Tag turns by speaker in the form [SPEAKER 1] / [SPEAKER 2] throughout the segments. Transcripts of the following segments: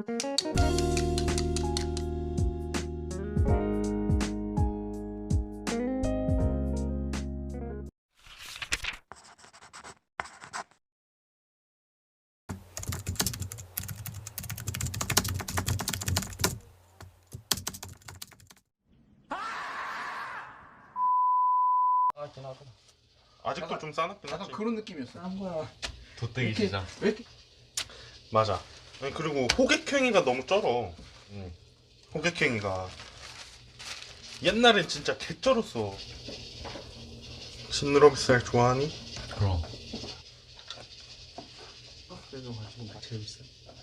[SPEAKER 1] 아직도
[SPEAKER 2] 약간,
[SPEAKER 1] 좀 싸납긴
[SPEAKER 2] 약간
[SPEAKER 1] 하지.
[SPEAKER 2] 그런 느낌이었어. 한 거야.
[SPEAKER 3] 돗대기 시장.
[SPEAKER 2] 왜 이렇게?
[SPEAKER 1] 맞아. 아니, 그리고 호객행위가 너무 쩔어. 호객행위가 옛날엔 진짜 개쩔었어. 진느러비살 좋아하니?
[SPEAKER 3] 그럼.
[SPEAKER 2] 그래도 지금 다 재밌어.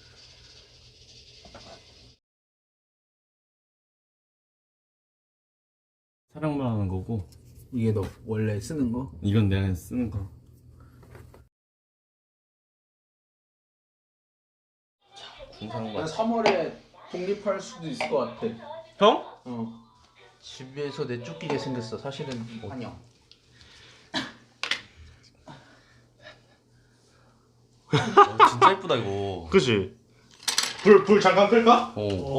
[SPEAKER 3] 사랑만 하는 거고.
[SPEAKER 2] 이게 너 원래 쓰는 거?
[SPEAKER 3] 이건 내가 쓰는 거.
[SPEAKER 2] 난 3월에 독립할 수도 있을 것 같아.
[SPEAKER 1] 형?
[SPEAKER 2] 집에서 내쫓기게 생겼어. 사실은 환영.
[SPEAKER 3] 진짜 이쁘다 이거.
[SPEAKER 1] 그지? 불 잠깐 끌까?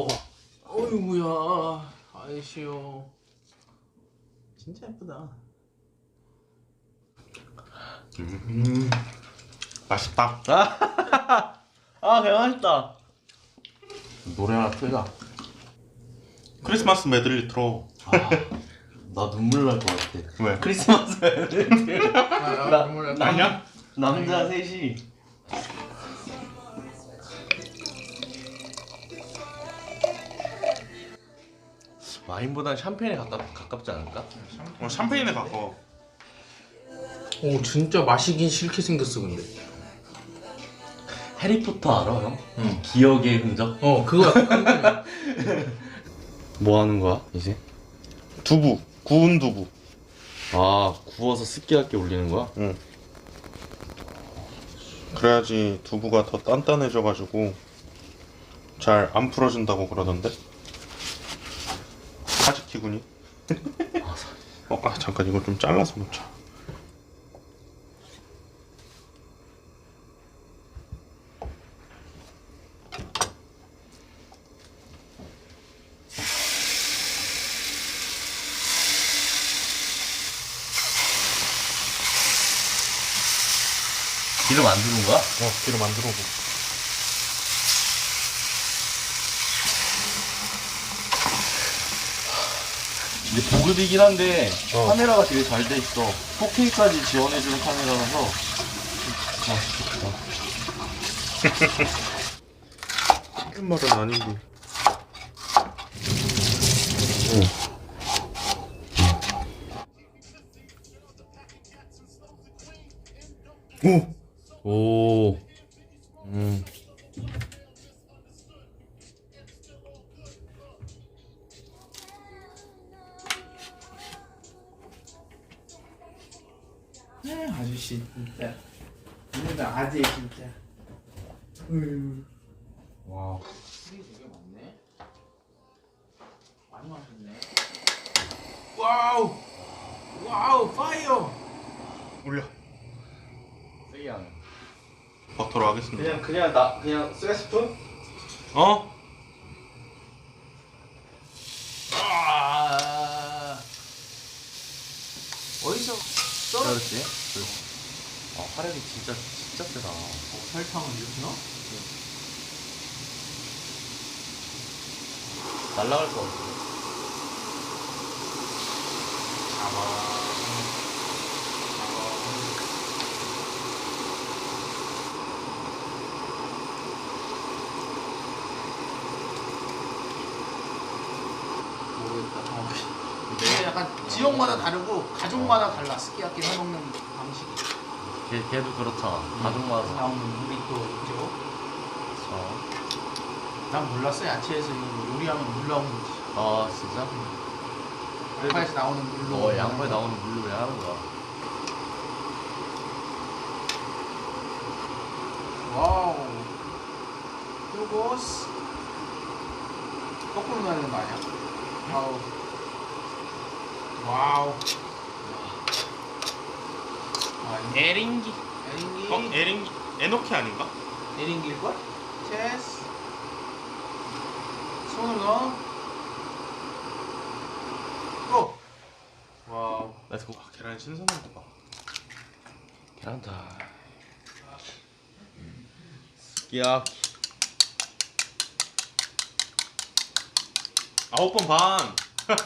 [SPEAKER 2] 어이구야. 아이씨요. 진짜 예쁘다.
[SPEAKER 1] 맛있다.
[SPEAKER 3] 아, 개 맛있다. 노래 하나 틀자.
[SPEAKER 1] 크리스마스 메들리 틀어.
[SPEAKER 3] 나 눈물 날 것 같아.
[SPEAKER 1] 왜?
[SPEAKER 3] 크리스마스 애들.
[SPEAKER 1] 아니야?
[SPEAKER 3] 남자 셋이. 와인보단 샴페인에 가깝지 않을까?
[SPEAKER 1] 샴페인에 가까워.
[SPEAKER 2] 오 진짜 마시긴 싫게 생겼어 근데.
[SPEAKER 3] 해리포터 알아 형? 기억의 흔적?
[SPEAKER 2] 그거
[SPEAKER 3] 뭐 하는 거야 이제?
[SPEAKER 1] 두부. 구운 두부.
[SPEAKER 3] 아, 구워서 스키야키 올리는 거야?
[SPEAKER 1] 응. 그래야지 두부가 더 단단해져가지고 잘 안 풀어진다고 그러던데. 사지키구니. 잠깐 이거 좀 잘라서 놓자.
[SPEAKER 3] 기름 안 두는 거야?
[SPEAKER 1] 기름 안 들어오고.
[SPEAKER 3] 이게 보급이긴 한데 카메라가 되게 잘 돼 있어. 4K까지 지원해주는 카메라라서.
[SPEAKER 1] 튀긴 말은 아니고.
[SPEAKER 3] 오.
[SPEAKER 2] 아저씨 진짜. 얘네들 아재 진짜.
[SPEAKER 3] 와.
[SPEAKER 2] 술이 되게 많네. 많이 마셨네. 와우. 와우 파이어.
[SPEAKER 1] 올려.
[SPEAKER 3] 세게 하네.
[SPEAKER 1] 버터로 하겠습니다.
[SPEAKER 3] 그냥 스웨스푼?
[SPEAKER 2] 어디서
[SPEAKER 3] 그렇지. 화력이 진짜 세다.
[SPEAKER 2] 설탕을 이렇게 넣어?
[SPEAKER 3] 날라갈 것 같아.
[SPEAKER 2] 모르겠다. 이게 약간 지역마다 다르고 가족마다 달라. 스키야키 해먹는 방식이.
[SPEAKER 3] 걔도 그렇잖아. 가족마다.
[SPEAKER 2] 나오는 물이 또 있죠. 난 몰랐어. 야채에서 이거 요리하면 물 나오는 거지.
[SPEAKER 3] 아, 진짜?
[SPEAKER 2] 양파에서 나오는 물로.
[SPEAKER 3] 양파에 나오는 물로 왜 하는 거야?
[SPEAKER 2] 와우. 요거스. 거꾸로 넣어야 되는 거 아니야? 와우. 와우.
[SPEAKER 1] 에링기.
[SPEAKER 2] 에링기.
[SPEAKER 1] 에링기. 에노키 아닌가?
[SPEAKER 2] 에링기일걸? 체스. 손으로 넣어. 고!
[SPEAKER 1] 와우. 렛츠고. 계란 신선한 거 봐.
[SPEAKER 3] 계란다.
[SPEAKER 1] 스키야키. 9번 반.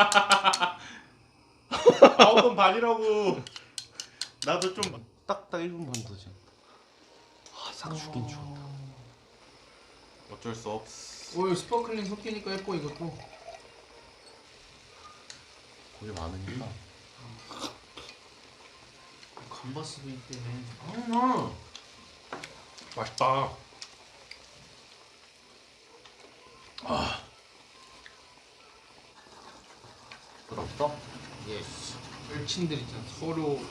[SPEAKER 1] 9번 반이라고. 나도 좀
[SPEAKER 3] 딱딱 1분 반 더 지금. 싹 죽긴 죽었다.
[SPEAKER 1] 어쩔 수 없어.
[SPEAKER 2] 오, 스파클링 섞이니까 예뻐 이것도.
[SPEAKER 3] 고기 많으니까.
[SPEAKER 2] 감바스도 있대.
[SPEAKER 1] 맛있다.
[SPEAKER 3] 부럽다?
[SPEAKER 2] 예스. öl친들 있잖아. 서로.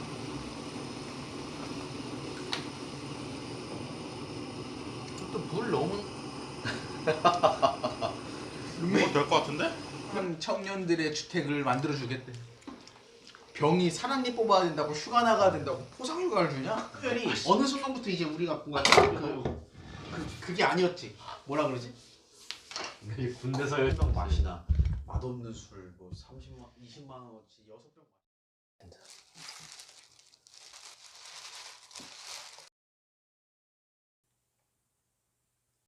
[SPEAKER 2] 또 물 너무.
[SPEAKER 1] 이거 될 것 같은데?
[SPEAKER 2] 한 청년들의 주택을 만들어 주겠대. 병이 사람이 뽑아야 된다고 휴가 나가야 된다고 포상휴가를 주냐? 특별히 어느 순간부터 이제 우리가 뭔가 그게 아니었지. 뭐라 그러지?
[SPEAKER 4] 군대서 열병 마시나 맛없는 술 뭐 30만 20만 원어치 6병